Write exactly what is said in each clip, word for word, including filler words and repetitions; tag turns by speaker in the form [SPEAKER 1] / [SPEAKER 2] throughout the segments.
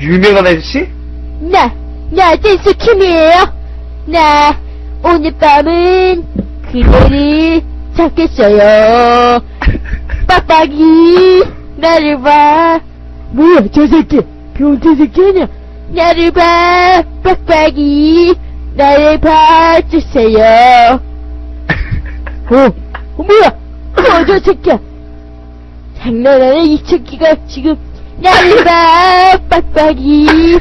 [SPEAKER 1] 유명한 아저씨?
[SPEAKER 2] 나, 나 댄스 킴이에요. 나 오늘 밤은 그대를 잡겠어요. 빡빡이 나를 봐. 뭐야 저 새끼 변태 새끼 아냐. 나를 봐 빡빡이 나를 봐주세요. 어, 어 뭐야 어, 저 새끼야. 장난하네 이 새끼가 지금. 나를 봐 빡빡이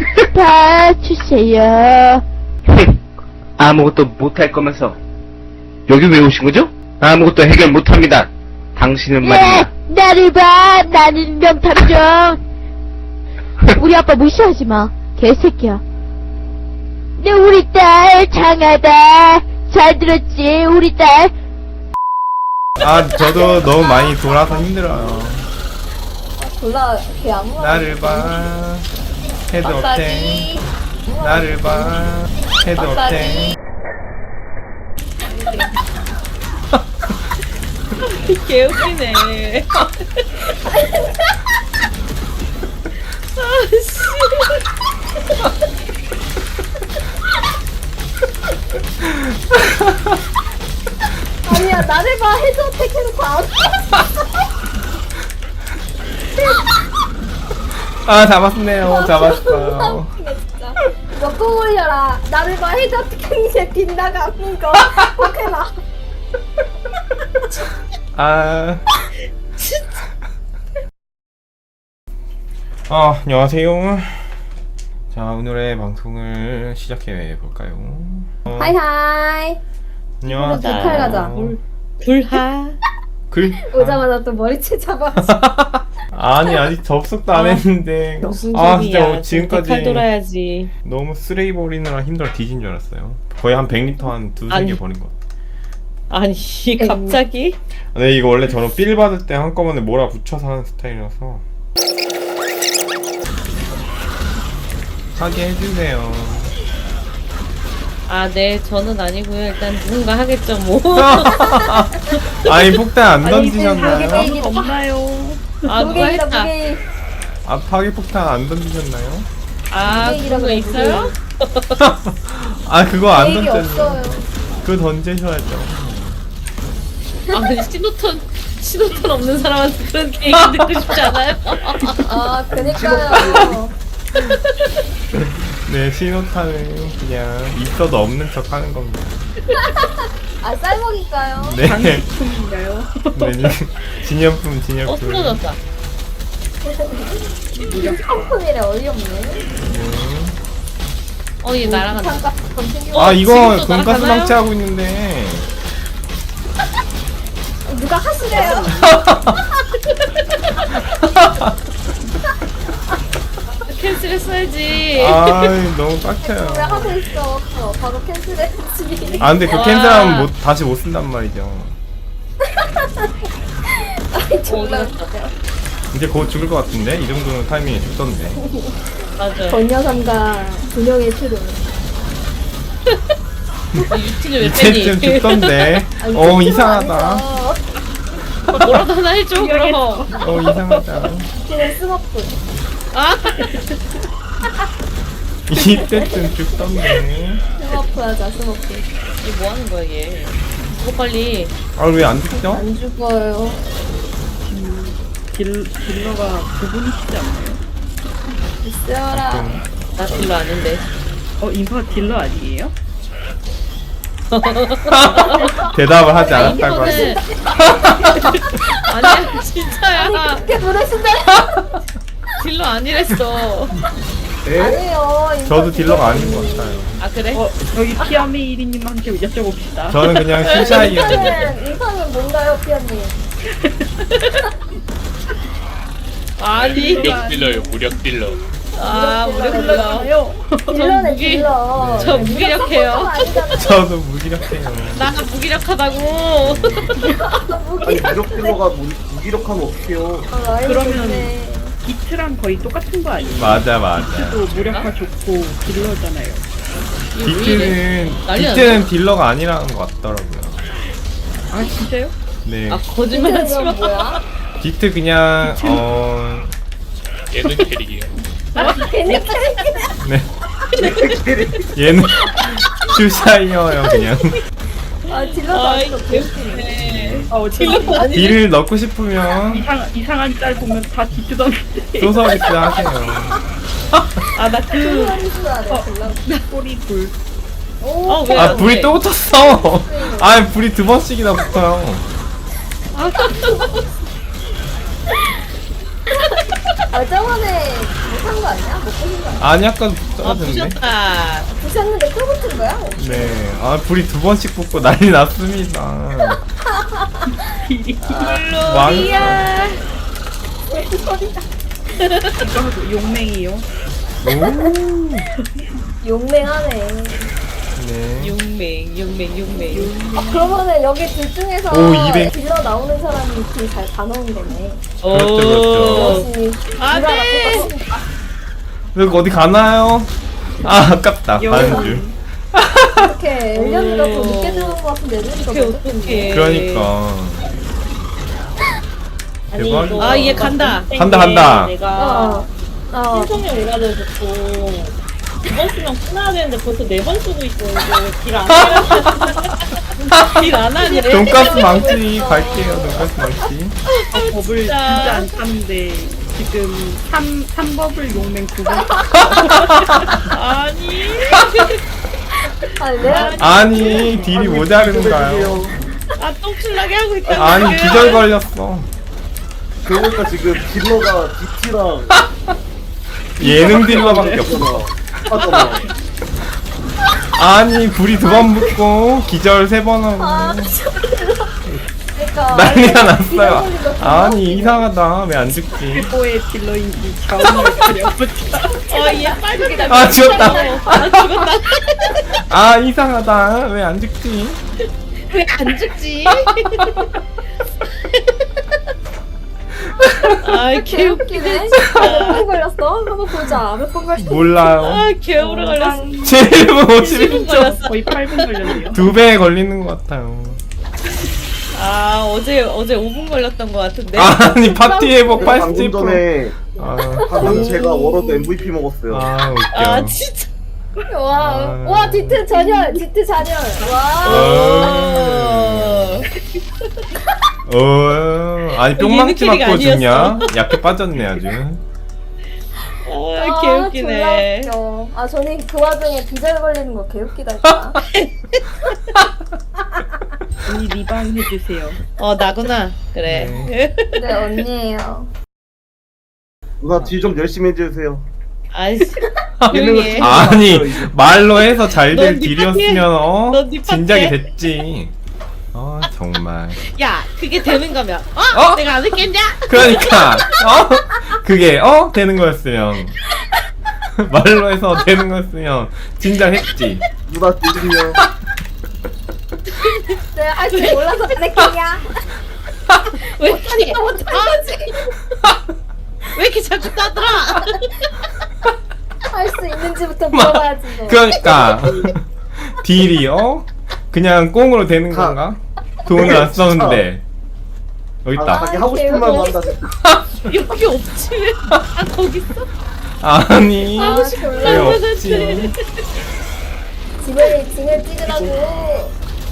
[SPEAKER 2] 봐주세요.
[SPEAKER 1] 아무것도 못할 거면서 여기 왜 오신 거죠? 아무것도 해결 못합니다. 당신은 말이야.
[SPEAKER 2] 네, 나를 봐 나는 명탐정. 우리 아빠 무시하지 마 개새끼야. 네 우리 딸 장하다. 잘 들었지 우리 딸.
[SPEAKER 3] 아 저도 너무 많이 돌아서 힘들어요.
[SPEAKER 4] 졸라 걔 아무나
[SPEAKER 3] 나를 봐 헤드 업텐.
[SPEAKER 4] 빡빡이
[SPEAKER 3] 나를 봐 헤드 업텐.
[SPEAKER 4] 빡빡이
[SPEAKER 5] 개웃기네. 아씨.
[SPEAKER 4] 아니야 나를 봐 헤드 어택 해놓고 안
[SPEAKER 3] 아 잡았네요. 잡았어요.
[SPEAKER 4] 진짜 이거 꼭 올려라. 나를 봐 헤드 어택 이제 빗나가 아픈 거 꼭 해라.
[SPEAKER 3] 아. 아, 안녕하세요. 자, 오늘의 방송을 시작해 볼까요? 어,
[SPEAKER 4] 하이하이
[SPEAKER 3] 안녕하세요.
[SPEAKER 4] 북할 가자.
[SPEAKER 5] 불하.
[SPEAKER 3] 글?
[SPEAKER 4] 오자마자 또 머리채 잡아.
[SPEAKER 3] 아니, 아직 접속도 안
[SPEAKER 5] 아,
[SPEAKER 3] 했는데.
[SPEAKER 5] 무슨
[SPEAKER 3] 아,
[SPEAKER 5] 소리야.
[SPEAKER 3] 진짜 지금까지
[SPEAKER 5] 칼 돌아야지.
[SPEAKER 3] 너무 쓰레기 버리느라 힘들어 뒤진 줄 알았어요. 거의 한 백 리터 한 두세
[SPEAKER 5] 아니.
[SPEAKER 3] 개 버린 것 같아.
[SPEAKER 5] 아니 갑자기?
[SPEAKER 3] 근데 이거 원래 저는 필 받을 때 한꺼번에 몰아 붙여서 하는 스타일이라서. 하게 해주세요.
[SPEAKER 5] 아, 네, 저는 아니고요. 일단 누군가 하겠죠, 뭐.
[SPEAKER 3] 아니, 폭탄 안
[SPEAKER 4] 아니,
[SPEAKER 3] 던지셨나요?
[SPEAKER 4] 무게이
[SPEAKER 5] 없나요? 아, 누가
[SPEAKER 4] 무게이다
[SPEAKER 5] 했다.
[SPEAKER 4] 무게이.
[SPEAKER 3] 아, 파괴 폭탄 안 던지셨나요?
[SPEAKER 5] 아, 그런 거 있어요?
[SPEAKER 3] 아, 그거 안
[SPEAKER 4] 무게이
[SPEAKER 3] 던졌네.
[SPEAKER 4] 없어요.
[SPEAKER 3] 그거 던지셔야죠.
[SPEAKER 5] 아, 근데 신호턴, 신호턴 없는 사람한테 그런 얘기 듣고 싶지 않아요?
[SPEAKER 4] 아 그니까요.
[SPEAKER 3] 네, 신호탄은 그냥 있어도 없는 척 하는 겁니다.
[SPEAKER 4] 아 쌀먹일까요?
[SPEAKER 3] 네. 네, 진열품,
[SPEAKER 5] 어,
[SPEAKER 3] 진열품.
[SPEAKER 5] 쓰러졌다.
[SPEAKER 4] 상품이래 어이없네.
[SPEAKER 5] 어, 얘 날아간다.
[SPEAKER 4] 잠깐 던진
[SPEAKER 3] 아, 이거
[SPEAKER 5] 지금도
[SPEAKER 3] 돈가스
[SPEAKER 5] 날아가나요?
[SPEAKER 3] 방치하고 있는데.
[SPEAKER 4] 누가 하시래요?
[SPEAKER 5] 캔슬했어야지.
[SPEAKER 3] 아, 너무 빡쳐요.
[SPEAKER 4] 왜 하고 있어? 어, 바로 캔슬했지.
[SPEAKER 3] 아, 근데 그
[SPEAKER 5] 와.
[SPEAKER 3] 캔슬하면 못, 다시 못 쓴단 말이죠.
[SPEAKER 4] 아이
[SPEAKER 5] 어,
[SPEAKER 4] 졸라
[SPEAKER 5] 어디갔다.
[SPEAKER 3] 이제 곧 죽을 것 같은데? 이 정도는 타이밍이 죽던데.
[SPEAKER 5] 맞아.
[SPEAKER 4] 전여삼과 두 명의 트롤.
[SPEAKER 5] 유튜브 왜
[SPEAKER 3] 이제쯤
[SPEAKER 5] 빼니?
[SPEAKER 3] 죽던데.
[SPEAKER 4] 아니,
[SPEAKER 3] 어,
[SPEAKER 4] 트롤
[SPEAKER 3] 이상하다.
[SPEAKER 4] 아니죠.
[SPEAKER 5] 뭐라도 하나 해줘, 그럼.
[SPEAKER 3] 어, 이상하다.
[SPEAKER 4] 지금 스머프.
[SPEAKER 5] 아,
[SPEAKER 3] 이때쯤 죽던데.
[SPEAKER 4] 스머프 하자 스머프.
[SPEAKER 5] 이게 뭐 하는 거야, 얘. 이거 빨리.
[SPEAKER 3] 아, 왜 안 죽죠?
[SPEAKER 4] 안 죽어요.
[SPEAKER 6] 딜, 딜러가 두 분이시지 않나요?
[SPEAKER 4] 있어라.
[SPEAKER 5] 나 별로 아는데.
[SPEAKER 6] 어, 인파 딜러 아니에요?
[SPEAKER 3] 대답을 하지 않았다고 하죠.
[SPEAKER 5] 이거는 아니야, 진짜야.
[SPEAKER 4] 그렇게 부르신다.
[SPEAKER 5] 딜러 아니랬어.
[SPEAKER 4] 아니에요. 인파
[SPEAKER 3] 저도 딜러가 아닌 것 같아요.
[SPEAKER 5] 아, 그래?
[SPEAKER 6] 어, 저기 피아미 일 인님한테 여쭤봅시다.
[SPEAKER 3] 저는 그냥 신샤이였는데.
[SPEAKER 4] 인파는 인파는 뭔가요, 피아님?
[SPEAKER 5] 아니.
[SPEAKER 7] 무력 딜러요, 무력 딜러.
[SPEAKER 5] 아, 무력 딜러.
[SPEAKER 6] 요
[SPEAKER 4] 딜러네
[SPEAKER 5] 무기-
[SPEAKER 4] 딜러.
[SPEAKER 5] 저 무기력해요.
[SPEAKER 3] 저도 무기력해요.
[SPEAKER 5] 나 무기력하다고.
[SPEAKER 1] 아니 무력 딜러가 무, 무기력하면 어떡해요?
[SPEAKER 6] 그러면- 비트랑 거의 똑같은 거 아니에요?
[SPEAKER 3] 맞아, 맞아.
[SPEAKER 6] 또 무력화 좋고 딜러잖아요.
[SPEAKER 3] 비트는,
[SPEAKER 5] 난리
[SPEAKER 3] 비트는 딜러가 아니라는 것 같더라고요.
[SPEAKER 6] 아, 진짜요?
[SPEAKER 3] 네.
[SPEAKER 5] 아, 거짓말하지 마.
[SPEAKER 4] 뭐야?
[SPEAKER 3] 비트 그냥, 어,
[SPEAKER 7] 얘는 캐릭이에요.
[SPEAKER 4] 걔네 캐릭이네.
[SPEAKER 3] 네. 얘는 슈샤이어요 그냥.
[SPEAKER 4] 아 딜러도
[SPEAKER 5] 아이
[SPEAKER 4] 아니고
[SPEAKER 5] 개웃기네.
[SPEAKER 6] 어, 딜러 아니
[SPEAKER 3] 딜을 넣고 싶으면
[SPEAKER 6] 이상 이상한 짤 보면 다 뒤뜯었는데.
[SPEAKER 3] 소서비스 하세요.
[SPEAKER 5] 아나그
[SPEAKER 4] 딜러리스야 돼 딜러.
[SPEAKER 6] 꼬리 불.
[SPEAKER 4] 오.
[SPEAKER 5] 어, 왜?
[SPEAKER 3] 아 불이 또 붙었어. 아 불이 두 번씩이나 붙어요.
[SPEAKER 4] 아 저번에 못한 거 아니야? 못 보신 거 아니야?
[SPEAKER 3] 아니 아까
[SPEAKER 5] 아
[SPEAKER 3] 떨어졌네.
[SPEAKER 5] 부셨다.
[SPEAKER 4] 부셨는데 또 붙은 거야?
[SPEAKER 3] 네. 아 불이 두 번씩 붙고 난리 났습니다.
[SPEAKER 5] 물론이야.
[SPEAKER 4] 무슨 소리야?
[SPEAKER 6] 이거 용맹이요.
[SPEAKER 3] 오.
[SPEAKER 4] 용맹하네.
[SPEAKER 3] 네.
[SPEAKER 5] 용맹 용맹 용맹.
[SPEAKER 4] 아 그러면은 여기 둘 중에서
[SPEAKER 3] 오, 이백.
[SPEAKER 4] 딜러 나오는 사람이 딜 잘 다 넣으면 되네.
[SPEAKER 3] 그렇죠, 그렇죠.
[SPEAKER 4] 역시
[SPEAKER 5] 안
[SPEAKER 4] 딜러가
[SPEAKER 5] 돼.
[SPEAKER 4] 똑같으니까.
[SPEAKER 3] 여기 어디 가나요? 아 아깝다. 가는 줄.
[SPEAKER 4] 어떻게 엘리언이가 더 늦게 들어온 것 같은데 엘리언이가
[SPEAKER 5] 어떡해
[SPEAKER 4] 먼저
[SPEAKER 5] 어떡해.
[SPEAKER 3] 그러니까. 대박이다.
[SPEAKER 5] 아 얘 간다.
[SPEAKER 3] 간다 간다.
[SPEAKER 4] 어. 어.
[SPEAKER 7] 신청이 올라져서 두번 쓰면 끝나야 되는데 벌써 네 번 쓰고 있어. 길안
[SPEAKER 5] 딜안 하네.
[SPEAKER 3] 돈가스 망치 갈게요. 돈가스 망치.
[SPEAKER 6] 아, 버블 진짜 안 탔는데 지금 삼 삼버블 용맹 두 번.
[SPEAKER 5] 아니.
[SPEAKER 4] 아니 내가
[SPEAKER 3] 아니 딜이 모자른가요?
[SPEAKER 5] 아 똥칠나게 하고 있다.
[SPEAKER 3] 아니 기절 걸렸어.
[SPEAKER 8] 그러니까 지금 딜러가 디티랑
[SPEAKER 3] 예능 딜러밖에 없어.
[SPEAKER 8] 하잖아.
[SPEAKER 3] 아니 불이 두 번 붙고 기절 세 번 하고
[SPEAKER 4] 그러니까
[SPEAKER 3] 난리가 났어요. 아니 이상하다. 왜 안 죽지?
[SPEAKER 6] 최고의 딜러인지 자원을 가려보자.
[SPEAKER 5] 어얘 빨갛다.
[SPEAKER 3] 아 죽었다.
[SPEAKER 5] 아 죽었다.
[SPEAKER 3] 아 이상하다. 왜 안 죽지?
[SPEAKER 5] 왜 안 죽지? 아 개웃기네.
[SPEAKER 4] 개웃기네. 몇 번 걸렸어? 한번 보자. 몇 번 걸렸어?
[SPEAKER 3] 몰라요.
[SPEAKER 5] 아 개오래 걸렸어.
[SPEAKER 3] 칠 분
[SPEAKER 5] 십 분
[SPEAKER 3] 오십일 초.
[SPEAKER 5] 걸렸어.
[SPEAKER 6] 거의 팔 분 걸렸네요.
[SPEAKER 3] 두 배 걸리는 것 같아요.
[SPEAKER 5] 아 어제 어제 오 분 걸렸던 것 같은데.
[SPEAKER 3] 아니 파티 회복
[SPEAKER 8] 내가
[SPEAKER 3] 팔십
[SPEAKER 8] 방금
[SPEAKER 3] 분.
[SPEAKER 8] 전에
[SPEAKER 3] 아,
[SPEAKER 8] 방금 제가 워러드 엠브이피 먹었어요.
[SPEAKER 3] 아 웃겨.
[SPEAKER 5] 아 진짜.
[SPEAKER 4] 와,
[SPEAKER 3] 아.
[SPEAKER 4] 와 디트 잔열, 디트 잔열. 와.
[SPEAKER 3] 어. 어, 아니 뿅망치
[SPEAKER 5] 얘는 캐릭
[SPEAKER 3] 맞고 죽냐?
[SPEAKER 5] 아니었어.
[SPEAKER 3] 약해 빠졌네 아주.
[SPEAKER 5] 아 개웃기네.
[SPEAKER 4] 졸라 웃겨. 아 저는 그 와중에 비절 걸리는 거 개웃기다니까.
[SPEAKER 6] 언니 리방 해주세요.
[SPEAKER 5] 어 나구나. 그래.
[SPEAKER 4] 네 언니예요.
[SPEAKER 8] 누나 딜 좀 열심히 해주세요.
[SPEAKER 5] 아이씨. 조용히 해.
[SPEAKER 3] 아니 말로 해서 잘 될
[SPEAKER 5] 넌네
[SPEAKER 3] 딜이었으면 어
[SPEAKER 5] 넌네
[SPEAKER 3] 진작에
[SPEAKER 5] 파티에.
[SPEAKER 3] 됐지. 어 정말.
[SPEAKER 5] 야 그게 되는 거면 어?
[SPEAKER 3] 어?
[SPEAKER 5] 내가 안 했겠냐?
[SPEAKER 3] 그러니까 어 그게 어 되는 거였으면 말로 해서 되는 거였으면 진작 했지.
[SPEAKER 8] 누나 딜이요.
[SPEAKER 4] 내가 할 줄 몰라서 그랬겠냐?
[SPEAKER 5] 왜 이렇게
[SPEAKER 4] 못한 거지.
[SPEAKER 5] 왜 이렇게 자꾸 따들어?
[SPEAKER 4] 할 수 있는지부터 물어봐야지. 너.
[SPEAKER 3] 그러니까 딜이 어 그냥 꽁으로 되는
[SPEAKER 8] 가.
[SPEAKER 3] 건가? 돈을 안 썼는데 여기
[SPEAKER 8] 아,
[SPEAKER 3] 있다.
[SPEAKER 8] 자기 하고 싶은 말만 한다. 진짜.
[SPEAKER 5] 여기 없지 왜? 아 거기 있어?
[SPEAKER 3] 아니
[SPEAKER 4] 아,
[SPEAKER 3] 왜
[SPEAKER 4] 졸라
[SPEAKER 3] 없지?
[SPEAKER 4] 짐을 짐을 찍으라고.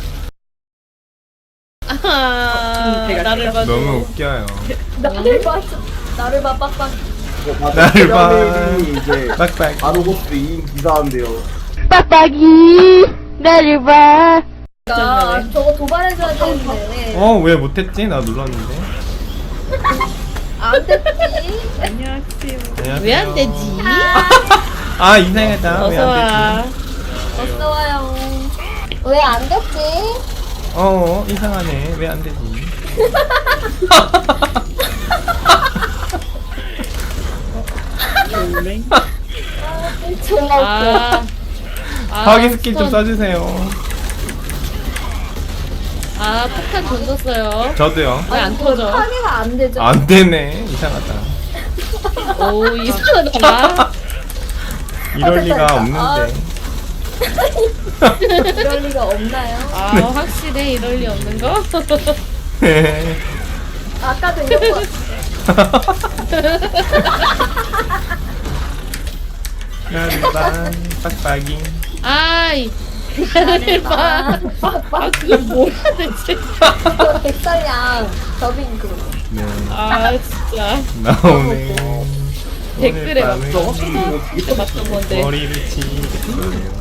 [SPEAKER 5] 아
[SPEAKER 6] 제가
[SPEAKER 5] 나를
[SPEAKER 6] 진짜
[SPEAKER 5] 봐줘.
[SPEAKER 3] 너무 웃겨요.
[SPEAKER 4] 나를 봐. 나를 봐 빡빡.
[SPEAKER 8] 어, 맞아.
[SPEAKER 3] 나를 봐.
[SPEAKER 8] 페라메이님이 이제
[SPEAKER 3] 빡빡.
[SPEAKER 8] 아로고스 이 인 기사한데요.
[SPEAKER 2] 빡빡이 나를 봐.
[SPEAKER 4] 나 저거 도발해줘야 되는데.
[SPEAKER 3] 어 왜 못했지? 나 눌렀는데.
[SPEAKER 4] 안 됐지.
[SPEAKER 6] 안녕하세요.
[SPEAKER 3] 안녕하세요.
[SPEAKER 5] 왜 안 되지?
[SPEAKER 3] 아 이상하다. 왜
[SPEAKER 5] 어서
[SPEAKER 3] 안
[SPEAKER 5] 와.
[SPEAKER 3] 되지?
[SPEAKER 4] 어서 와요. 왜 안 됐지?
[SPEAKER 3] 어 이상하네. 왜 안 되지?
[SPEAKER 6] 용맹.
[SPEAKER 4] 졸라 웃겨.
[SPEAKER 5] 아. 아,
[SPEAKER 3] 파괴 스킬 좀
[SPEAKER 5] 스턴.
[SPEAKER 3] 써주세요.
[SPEAKER 5] 아 폭탄 던졌어요.
[SPEAKER 3] 저도요.
[SPEAKER 5] 왜 안 터져?
[SPEAKER 4] 파괴가 안 되죠.
[SPEAKER 3] 안 되네. 이상하다.
[SPEAKER 5] 오 이상하다.
[SPEAKER 3] 이럴
[SPEAKER 4] 아,
[SPEAKER 3] 리가
[SPEAKER 4] 됐다,
[SPEAKER 3] 없는데.
[SPEAKER 4] 이럴 리가 없나요?
[SPEAKER 5] 아 확실해 이럴 리 없는 거?
[SPEAKER 4] 아까도 이런 거.
[SPEAKER 3] 나를 봐 빡빡이.
[SPEAKER 5] 아이 나를 봐. 아 그게 뭐야 대체.
[SPEAKER 4] 이거 백설양 더빙 그거.
[SPEAKER 3] 네
[SPEAKER 5] 아 진짜
[SPEAKER 3] 나오네.
[SPEAKER 5] 댓글에 막
[SPEAKER 3] 오늘
[SPEAKER 5] 저거
[SPEAKER 3] 밤은
[SPEAKER 5] 초등학교 때 봤던 건데.
[SPEAKER 3] 머리를 치겠어요.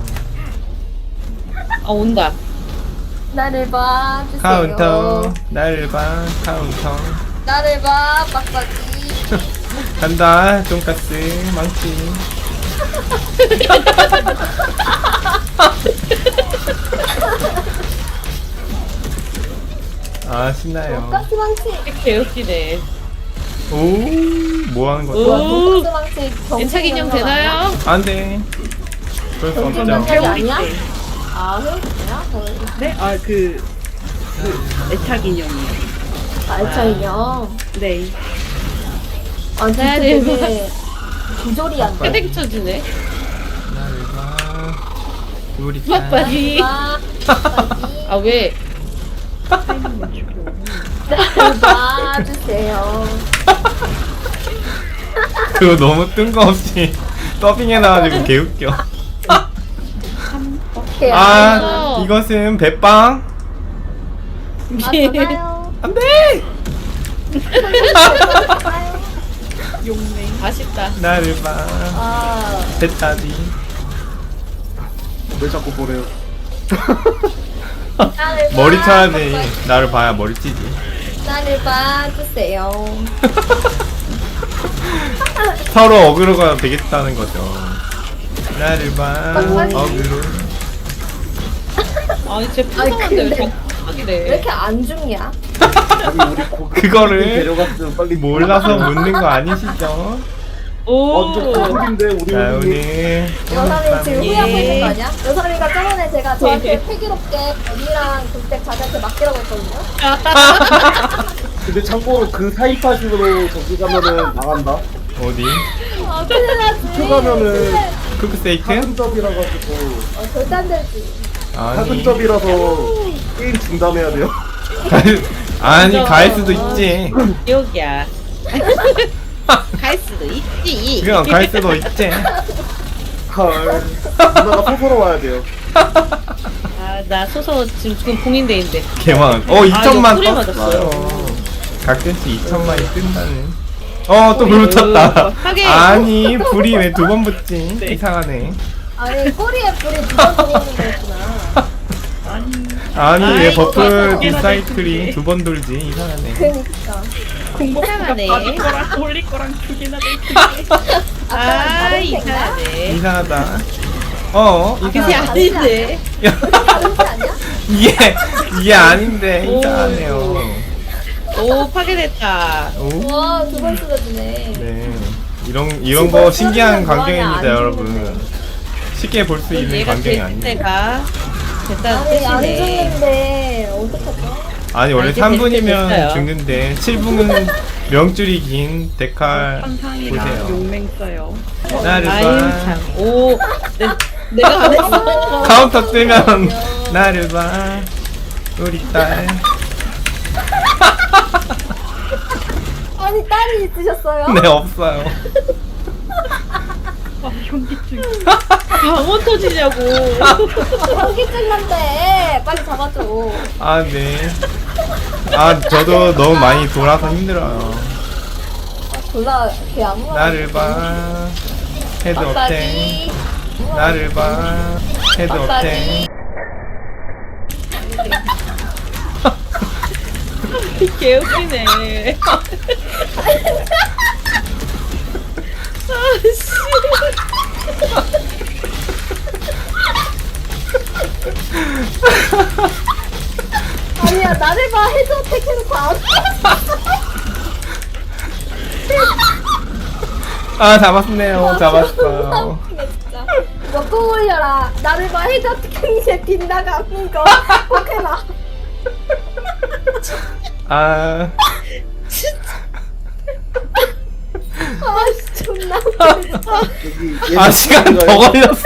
[SPEAKER 5] 아 온다.
[SPEAKER 4] 나를 봐 주세요.
[SPEAKER 3] 카운터 나를 봐 카운터
[SPEAKER 4] 나를 봐 빡빡이.
[SPEAKER 3] 간다 돈까스 망치. 아 신나요.
[SPEAKER 4] 가스망치.
[SPEAKER 5] 개웃기네.
[SPEAKER 3] 오 뭐하는 거죠?
[SPEAKER 5] 오
[SPEAKER 4] 가스망치
[SPEAKER 5] 애착 인형 되나요?
[SPEAKER 3] 안돼. 그럴 수 없죠.
[SPEAKER 4] 경쟁 아니야?
[SPEAKER 6] 때.
[SPEAKER 4] 아 회오리야?
[SPEAKER 6] 네? 아, 그, 그, 애착 인형이요.
[SPEAKER 4] 알차 인형.
[SPEAKER 6] 네.
[SPEAKER 4] 아 진짜
[SPEAKER 5] 나를
[SPEAKER 4] 되게 조절이 안 돼.
[SPEAKER 5] 패딩 쳐주네.
[SPEAKER 3] 나를 봐 우리
[SPEAKER 5] 빡빡이.
[SPEAKER 4] 봐 빡빡이.
[SPEAKER 5] 아 왜?
[SPEAKER 4] 나를 봐 주세요.
[SPEAKER 3] 그거 너무 뜬금없이 더빙해 나와가지고 개웃겨.
[SPEAKER 4] 오케이.
[SPEAKER 3] 아 이것은 배빵.
[SPEAKER 4] 아 전화요.
[SPEAKER 3] 안돼.
[SPEAKER 6] 용맹.
[SPEAKER 5] 아쉽다.
[SPEAKER 3] 나를 봐
[SPEAKER 4] 아
[SPEAKER 3] 배따디.
[SPEAKER 8] 왜 자꾸 보래요?
[SPEAKER 4] 나를 봐.
[SPEAKER 3] 머리 쳐야지. 나를 봐야 머리 찌지.
[SPEAKER 4] 나를 봐 주세요.
[SPEAKER 3] 서로 어그로가 되겠다는 거죠. 나를 봐 어그로.
[SPEAKER 5] 아니 쟤
[SPEAKER 4] 아니,
[SPEAKER 5] 푸성한데 왜
[SPEAKER 4] 근데
[SPEAKER 5] 자꾸
[SPEAKER 4] 왜
[SPEAKER 5] 푸성이래.
[SPEAKER 4] 이렇게 안 죽냐?
[SPEAKER 8] 아니 우리 고
[SPEAKER 3] 그거를
[SPEAKER 8] 데려갔으면 빨리
[SPEAKER 3] 몰라서 묻는 거 아니시죠?
[SPEAKER 5] 오.
[SPEAKER 8] 완전 고급인데 우리
[SPEAKER 3] 자
[SPEAKER 8] 우리
[SPEAKER 3] 오늘
[SPEAKER 4] 여사님 지금 후회하고 있는 거 아니야? 여사님가 저번에 제가
[SPEAKER 5] 예.
[SPEAKER 4] 저한테 패기롭게 언니랑 그때 자기한테 맡기라고 했거든요?
[SPEAKER 8] 근데 참고로 그 사이파식으로 저기 가면은 나간다.
[SPEAKER 3] 어디?
[SPEAKER 4] 아 큰일 나지.
[SPEAKER 8] 그 가면은
[SPEAKER 3] 크크세이크?
[SPEAKER 8] 사근접이라 가지고
[SPEAKER 4] 어, 절대 안 되지.
[SPEAKER 3] 아니
[SPEAKER 8] 사근접이라서 게임 중단해야 돼요.
[SPEAKER 3] 아니 갈 수도 있지.
[SPEAKER 5] 여기야. 갈 수도 있지.
[SPEAKER 3] 그냥 갈 수도 있지.
[SPEAKER 8] 헐. 누나가 소소로 와야 돼요.
[SPEAKER 5] 아나 소소 지금 지금 봉인대인데.
[SPEAKER 3] 개망. 어
[SPEAKER 5] 아,
[SPEAKER 3] 이천만
[SPEAKER 5] 이거 뿌리
[SPEAKER 3] 떴어요.
[SPEAKER 5] 맞았어요.
[SPEAKER 3] 가끔씩 이천만이 뜬다는. 어 또 불 붙였다.
[SPEAKER 5] 하긴.
[SPEAKER 3] 아니 불이 왜 두 번 붙지? 이상하네.
[SPEAKER 4] 아니 꼬리에 불이 두번 들어오는 거였구나.
[SPEAKER 3] 아니 왜
[SPEAKER 5] 아이고,
[SPEAKER 3] 버프
[SPEAKER 5] 맞아.
[SPEAKER 3] 디사이클이 두 번 돌지? 이상하네.
[SPEAKER 4] 그니까.
[SPEAKER 5] 이상하네.
[SPEAKER 6] 받을 거랑 돌릴 거랑 두 개나 될
[SPEAKER 5] 아
[SPEAKER 4] 다른 생각?
[SPEAKER 5] 이상하네.
[SPEAKER 3] 이상하다. 어
[SPEAKER 5] 그게
[SPEAKER 3] 이상하다.
[SPEAKER 5] 아닌데.
[SPEAKER 4] 다른 게 아니야?
[SPEAKER 3] 이게 이게 아닌데
[SPEAKER 5] 오.
[SPEAKER 3] 이상하네요.
[SPEAKER 5] 오 파괴됐다.
[SPEAKER 3] 오.
[SPEAKER 4] 와, 두 번 쓰러지네.
[SPEAKER 3] 네. 이런 이런
[SPEAKER 4] 지금
[SPEAKER 3] 거 신기한
[SPEAKER 4] 쓰러지면
[SPEAKER 3] 광경입니다,
[SPEAKER 4] 뭐하냐, 안
[SPEAKER 3] 여러분.
[SPEAKER 4] 죽는데.
[SPEAKER 3] 쉽게 볼 수 있는
[SPEAKER 5] 얘가
[SPEAKER 3] 광경이
[SPEAKER 5] 될
[SPEAKER 3] 아니에요.
[SPEAKER 5] 때가 됐다는
[SPEAKER 4] 아니, 안
[SPEAKER 5] 뜻이네.
[SPEAKER 4] 죽는데, 어떡하죠?
[SPEAKER 3] 아니 원래
[SPEAKER 5] 아, 이제
[SPEAKER 3] 삼
[SPEAKER 5] 될
[SPEAKER 3] 분이면
[SPEAKER 5] 때 됐어요.
[SPEAKER 3] 죽는데 칠 분은 명줄이 긴 데칼
[SPEAKER 6] 환상이랑
[SPEAKER 3] 보세요.
[SPEAKER 6] 용맹 써요.
[SPEAKER 3] 나를
[SPEAKER 5] 아유
[SPEAKER 3] 봐.
[SPEAKER 5] 참. 오. 내, 내가 안 했어.
[SPEAKER 3] 카운터 뜨면 나를 봐. 우리 딸.
[SPEAKER 4] 아니, 딸이 있으셨어요?
[SPEAKER 3] 네 없어요.
[SPEAKER 6] 아, 현기증.
[SPEAKER 5] 방언 터지냐고.
[SPEAKER 4] 현기증 난데, 빨리 잡아줘.
[SPEAKER 3] 아 네. 아 저도 너무 많이 돌아서 힘들어요.
[SPEAKER 4] 졸라, 걔 아무나.
[SPEAKER 3] 나를 봐. 헤드 업텐.
[SPEAKER 4] 빡빡이.
[SPEAKER 3] 나를 봐. 헤드 업텐.
[SPEAKER 4] 빡빡이.
[SPEAKER 5] 개웃기네. 아씨.
[SPEAKER 4] 아니야, 나를 봐. 헤드 어택 해놓고 안
[SPEAKER 3] 아 잡았네요. 잡았어요.
[SPEAKER 4] 진짜. 이거 꼭 올려라. 나를 봐. 헤드 어택 했는데 빗나가는 거. 꼭 해라.
[SPEAKER 3] 아.
[SPEAKER 4] 아씨, 존나 웃기다.
[SPEAKER 8] 여기
[SPEAKER 3] 아 시간 더 걸렸어.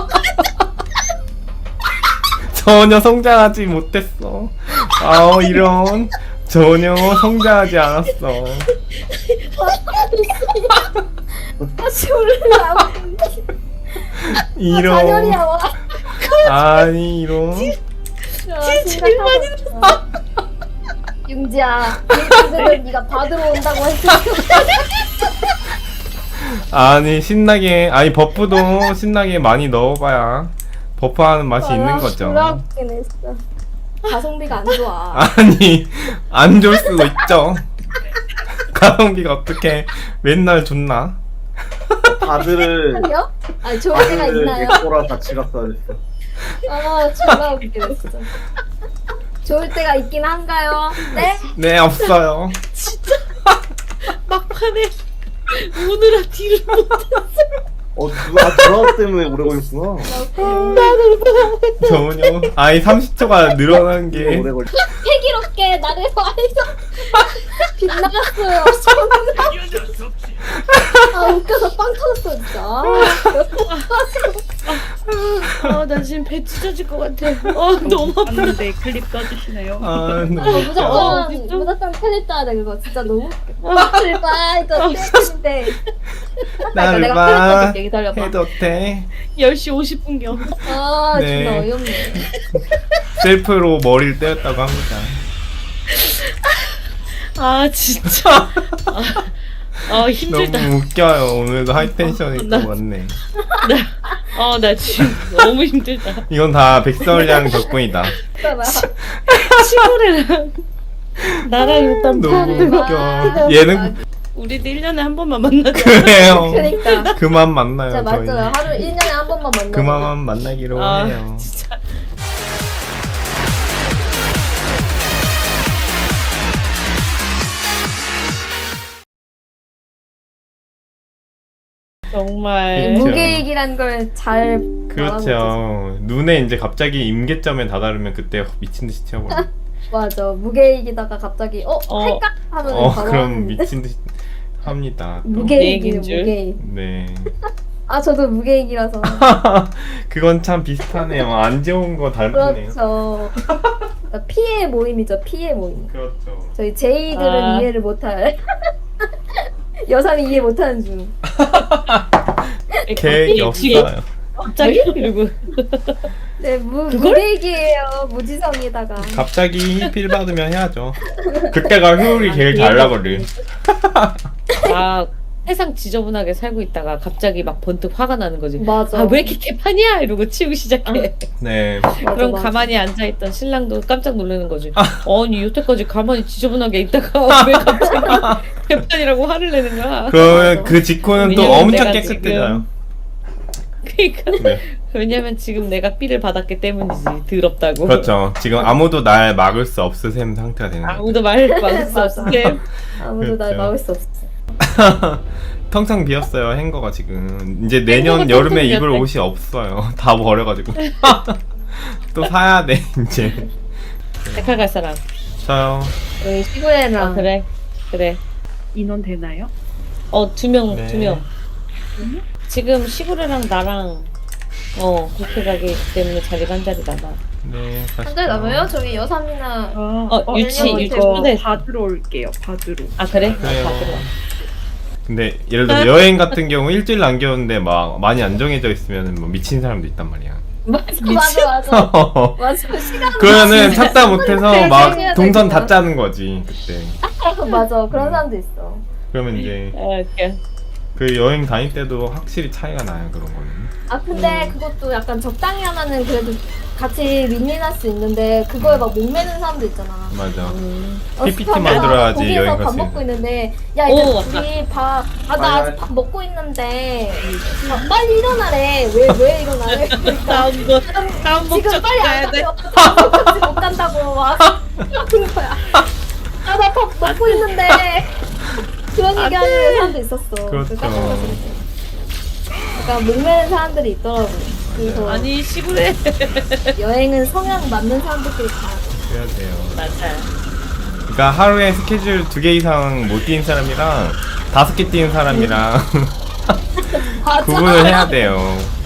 [SPEAKER 3] 전혀 성장하지 못했어. 아우 이런 전혀 성장하지 않았어.
[SPEAKER 4] 다시 올라.
[SPEAKER 3] 이런.
[SPEAKER 4] 잔열이야 와.
[SPEAKER 3] 아니 이런.
[SPEAKER 4] 제일 많이 넣었어. 융지야, 일등들은 네가 받으러 온다고 했으니까.
[SPEAKER 3] 아니 신나게 아니 버프도 신나게 많이 넣어봐야 버프하는 맛이 있는 거죠.
[SPEAKER 4] 졸라 웃기네 진짜. 가성비가 안 좋아.
[SPEAKER 3] 아니 안 좋을 수도 있죠. 가성비가 어떻게 맨날 좋나?
[SPEAKER 8] 바드를
[SPEAKER 4] 아니요? 아 좋을 때가
[SPEAKER 8] 바드를
[SPEAKER 4] 있나요?
[SPEAKER 8] 내 거랑 같이 갔어야 됐어.
[SPEAKER 4] 아 졸라 웃기네 진짜. 좋을 때가 있긴 한가요? 네?
[SPEAKER 3] 네 없어요.
[SPEAKER 5] 막판에 오느라 딜을 못했어.
[SPEAKER 8] 어 누가 드라마 때문에 오래 걸렸구나.
[SPEAKER 3] 전혀 아니 삼십 초가 늘어난 게
[SPEAKER 8] 오래 걸렸.
[SPEAKER 4] 패기롭게 나를 와해서 빗나갔어요. 아 웃겨서 빵 터졌어 진짜.
[SPEAKER 5] 아, 나 지금 배 찢어질 것 같아. 어, 너무 아파.
[SPEAKER 6] 봤는데 클립 써주시네요.
[SPEAKER 3] 아,
[SPEAKER 4] 어,
[SPEAKER 3] 너무
[SPEAKER 4] 무조건
[SPEAKER 5] 어, 진짜?
[SPEAKER 4] 무조건 클립 따야 돼 그거 진짜 너무 웃겨. 나를 봐 이거 때리는데.
[SPEAKER 3] 나를
[SPEAKER 4] 내가
[SPEAKER 3] 봐
[SPEAKER 4] 클립 따줄게 기다려봐.
[SPEAKER 3] 해도 돼.
[SPEAKER 5] 열 시 오십 분경.
[SPEAKER 4] 아
[SPEAKER 3] 네.
[SPEAKER 4] 존나 어이없네.
[SPEAKER 3] 셀프로 머리를 때렸다고 합니다.
[SPEAKER 5] 아, 진짜. 아, 아 힘들다.
[SPEAKER 3] 너무 웃겨요. 오늘도 하이텐션이
[SPEAKER 5] 나-
[SPEAKER 3] 또 많네.
[SPEAKER 5] 아, 나 지금 너무 힘들다.
[SPEAKER 3] 이건 다 백설량 덕분이다.
[SPEAKER 4] 있잖아.
[SPEAKER 5] 시골이랑 나랑 일단
[SPEAKER 3] 너무
[SPEAKER 5] 판
[SPEAKER 3] 웃겨. 예능
[SPEAKER 5] 우리도 일 년에 한 번만 만나자.
[SPEAKER 3] 그래요.
[SPEAKER 4] 그러니까.
[SPEAKER 3] 그만 만나요.
[SPEAKER 4] 진짜
[SPEAKER 3] 저희.
[SPEAKER 4] 맞잖아. 하루 일 년에 한 번만 만나.
[SPEAKER 3] 그만 만나기로
[SPEAKER 5] 아,
[SPEAKER 3] 해요.
[SPEAKER 5] 진짜. 정말
[SPEAKER 3] 그렇죠.
[SPEAKER 4] 무계획이란 걸 잘
[SPEAKER 3] 그렇죠. 눈에 이제 갑자기 임계점에 다다르면 그때 미친 듯이 튀어버려.
[SPEAKER 4] 맞아. 무계획이다가 갑자기 어,
[SPEAKER 5] 어.
[SPEAKER 4] 할까 하면
[SPEAKER 3] 어
[SPEAKER 4] 바로
[SPEAKER 3] 그럼
[SPEAKER 4] 하는데.
[SPEAKER 3] 미친 듯이 합니다. 또.
[SPEAKER 4] 무계획이에요.
[SPEAKER 5] 무계획인 줄?
[SPEAKER 4] 무계획.
[SPEAKER 3] 네.
[SPEAKER 4] 아 저도 무계획이라서.
[SPEAKER 3] 그건 참 비슷하네요. 안 좋은 거 닮았네요.
[SPEAKER 4] 그렇죠. 피해 모임이죠. 피해 모임.
[SPEAKER 3] 그렇죠.
[SPEAKER 4] 저희 제이들은
[SPEAKER 5] 아.
[SPEAKER 4] 이해를 못할. 여삼이 이해 못하는 중.
[SPEAKER 3] 계획이 없어요.
[SPEAKER 5] 갑자기 이러고
[SPEAKER 4] 네, 무,
[SPEAKER 5] 그걸?
[SPEAKER 4] 무계획이에요. 무지성에다가.
[SPEAKER 3] 갑자기 필 받으면 해야죠. 그때가 효율이 제일 잘 나거든.
[SPEAKER 5] 아 세상 지저분하게 살고 있다가 갑자기 막 번뜩 화가 나는 거지.
[SPEAKER 4] 맞아.
[SPEAKER 5] 아 왜 이렇게 개판이야 이러고 치우기 시작해.
[SPEAKER 3] 네.
[SPEAKER 4] 맞아,
[SPEAKER 5] 그럼
[SPEAKER 4] 맞아.
[SPEAKER 5] 가만히 앉아있던 신랑도 깜짝 놀라는 거지. 아니 여태까지 가만히 지저분하게 있다가 왜 갑자기 개판이라고 화를 내는 거야.
[SPEAKER 3] 그러면 그 직후는 또
[SPEAKER 5] 왜냐면
[SPEAKER 3] 엄청
[SPEAKER 5] 내가
[SPEAKER 3] 깨끗해져요.
[SPEAKER 5] 그러니까
[SPEAKER 3] 네.
[SPEAKER 5] 왜냐면 지금 내가 삐를 받았기 때문이지. 더럽다고.
[SPEAKER 3] 그렇죠. 지금 아무도 날 막을 수 없을 셈 상태가 되는 거죠.
[SPEAKER 5] 아무도 말 막을 수
[SPEAKER 4] 맞아.
[SPEAKER 5] 없을
[SPEAKER 4] 아무도 날
[SPEAKER 3] 그렇죠.
[SPEAKER 4] 막을 수 없어.
[SPEAKER 3] 텅텅 비었어요. 행거가 지금 이제 내년
[SPEAKER 5] 행거가
[SPEAKER 3] 여름에
[SPEAKER 5] 텅텅
[SPEAKER 3] 입을
[SPEAKER 5] 비었대.
[SPEAKER 3] 옷이 없어요. 다 버려가지고 또 사야 돼 이제.
[SPEAKER 5] 백화 갈 사람.
[SPEAKER 3] 저요.
[SPEAKER 4] 여기 시구에랑
[SPEAKER 5] 아 그래 그래.
[SPEAKER 6] 인원 되나요?
[SPEAKER 5] 어 두 명
[SPEAKER 3] 네.
[SPEAKER 5] 두 명. 지금 시구레랑 나랑 어 그렇게 가기 때문에 자리가 한 자리 남아.
[SPEAKER 3] 네.
[SPEAKER 4] 한 달 남아요? 저희 여삼이나
[SPEAKER 6] 아,
[SPEAKER 5] 어, 유치,
[SPEAKER 6] 저
[SPEAKER 5] 유치
[SPEAKER 6] 이거
[SPEAKER 5] 초대.
[SPEAKER 6] 받으러 올게요. 받으러.
[SPEAKER 5] 아 그래?
[SPEAKER 3] 그래요.
[SPEAKER 5] 아, 다 들어.
[SPEAKER 3] 근데 예를 들어 여행 같은 경우 일주일 남겼는데 막 많이 안 정해져 있으면 뭐 미친 사람도 있단 말이야.
[SPEAKER 4] 맞아 맞아 맞아 맞아 시간
[SPEAKER 3] 그러면은 찾다 못해서 막
[SPEAKER 4] 해야
[SPEAKER 3] 동선
[SPEAKER 4] 되구나.
[SPEAKER 3] 다 짜는 거지 그때.
[SPEAKER 4] 맞아 그런 사람도 있어.
[SPEAKER 3] 그러면 이제
[SPEAKER 5] 아 웃겨.
[SPEAKER 3] 그 여행 다닐 때도 확실히 차이가 나요 그런 거는.
[SPEAKER 4] 아 근데 그것도 약간 적당히 하면은 그래도 같이 윈윈할 수 있는데 그거에 막 목매는 사람도 있잖아.
[SPEAKER 3] 맞아.
[SPEAKER 5] 음.
[SPEAKER 3] 피피티
[SPEAKER 4] 어떡하냐.
[SPEAKER 3] 만들어야지
[SPEAKER 4] 거기에서
[SPEAKER 3] 여행 갈
[SPEAKER 4] 밥
[SPEAKER 3] 수
[SPEAKER 4] 먹고
[SPEAKER 3] 있는.
[SPEAKER 4] 있는데 야
[SPEAKER 5] 오,
[SPEAKER 4] 이제
[SPEAKER 5] 맞다.
[SPEAKER 4] 우리 밥아나
[SPEAKER 8] 아니,
[SPEAKER 4] 아직
[SPEAKER 8] 아니.
[SPEAKER 4] 밥 먹고 있는데 아, 빨리 일어나래. 왜 왜 일어나래? 그러니까
[SPEAKER 5] 다음 거 다음
[SPEAKER 4] 지금
[SPEAKER 5] 목적
[SPEAKER 4] 빨리
[SPEAKER 5] 가야
[SPEAKER 4] 안
[SPEAKER 5] 돼.
[SPEAKER 4] 가면 어떡하지 못 간다고 막 그런 거야. 아 나 밥 먹고 있는데 그런 얘기 하는 사람도 있었어.
[SPEAKER 3] 그렇죠.
[SPEAKER 4] 깜짝 놀랐어. 약간 목매는 사람들이 있더라고. 그래서
[SPEAKER 5] 아니 시골에
[SPEAKER 4] 여행은 성향 맞는 사람들끼리 가야 돼.
[SPEAKER 3] 그래야 돼요.
[SPEAKER 5] 맞아.
[SPEAKER 3] 그러니까 하루에 스케줄 두 개 이상 못 뛰는 사람이랑 다섯 개 뛰는 사람이랑
[SPEAKER 4] 맞아.
[SPEAKER 3] 구분을 해야 돼요.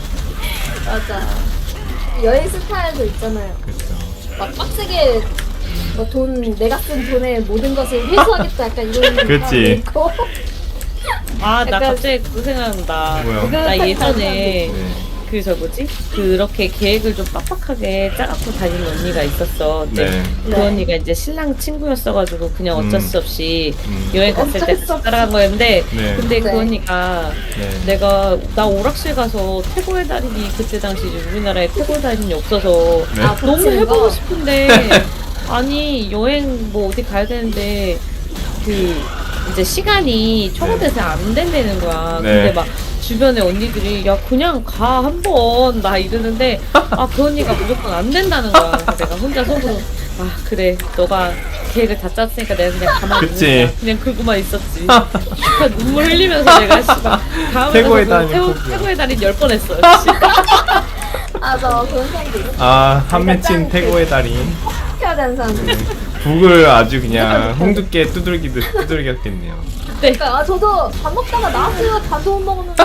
[SPEAKER 4] 맞아. 여행 스타일도 있잖아요.
[SPEAKER 3] 그렇죠.
[SPEAKER 4] 막 빡세게 뭐 돈 내가 쓴 돈에 모든 것을 회수하겠다 약간 이런
[SPEAKER 3] 그치.
[SPEAKER 4] 사람도 있고.
[SPEAKER 5] 아 나
[SPEAKER 4] 약간-
[SPEAKER 5] 갑자기 그거 생각난다.
[SPEAKER 3] 뭐요?
[SPEAKER 5] 나 예전에
[SPEAKER 3] 네.
[SPEAKER 5] 그 저 뭐지? 그렇게 계획을 좀 빡빡하게 짜갖고 다니는 언니가 있었어. 근데
[SPEAKER 3] 네.
[SPEAKER 5] 그
[SPEAKER 4] 네.
[SPEAKER 5] 언니가 이제 신랑 친구였어가지고 그냥 어쩔
[SPEAKER 3] 음.
[SPEAKER 5] 수 없이
[SPEAKER 3] 음.
[SPEAKER 5] 여행 갔을 때
[SPEAKER 4] 어쩔 수 없이.
[SPEAKER 5] 따라간 거였는데
[SPEAKER 3] 네.
[SPEAKER 5] 근데 그
[SPEAKER 4] 네.
[SPEAKER 5] 언니가
[SPEAKER 3] 네.
[SPEAKER 5] 내가 나 오락실 가서 태고의 달인이 그때 당시 이제 우리나라에 태고의 달인이 없어서
[SPEAKER 3] 네.
[SPEAKER 4] 아,
[SPEAKER 5] 너무
[SPEAKER 4] 붙이는
[SPEAKER 5] 해보고
[SPEAKER 4] 거?
[SPEAKER 5] 싶은데 아니 여행 뭐 어디 가야 되는데 그 이제 시간이 초과돼서 안 된다는 거야.
[SPEAKER 3] 네.
[SPEAKER 5] 근데 막 주변에 언니들이 야 그냥 가 한번 나 이러는데 아 그 언니가 무조건 안 된다는 거야. 그래서 내가 혼자 속으로 아 그래 너가 계획을 다 짰으니까 내가 그냥 가만히
[SPEAKER 3] 그치.
[SPEAKER 5] 있는 거야. 그냥 긁고만 있었지. 그러니까 눈물 흘리면서 내가 씨발 다음에
[SPEAKER 3] 태고의
[SPEAKER 5] 가서
[SPEAKER 3] 달인
[SPEAKER 5] 태고,
[SPEAKER 3] 포기.
[SPEAKER 5] 태고의 달인 열 번 했어요. 씨.
[SPEAKER 4] 아, 저 그런 사람도 있어.
[SPEAKER 3] 아, 한 맺힌 태고의 달인.
[SPEAKER 4] 해야 되는 사람들.
[SPEAKER 3] 북을 아주 그냥 홍두깨 두들기듯 두들겼겠네요.
[SPEAKER 4] 그러니까 아, 저도 밥 먹다가 나왔어요. 밥도 못 먹었는데.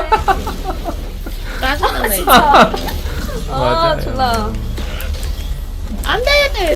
[SPEAKER 5] 짜증나네.
[SPEAKER 4] 진짜. 아,
[SPEAKER 3] 맞아요.
[SPEAKER 4] 졸라.
[SPEAKER 5] 안 돼!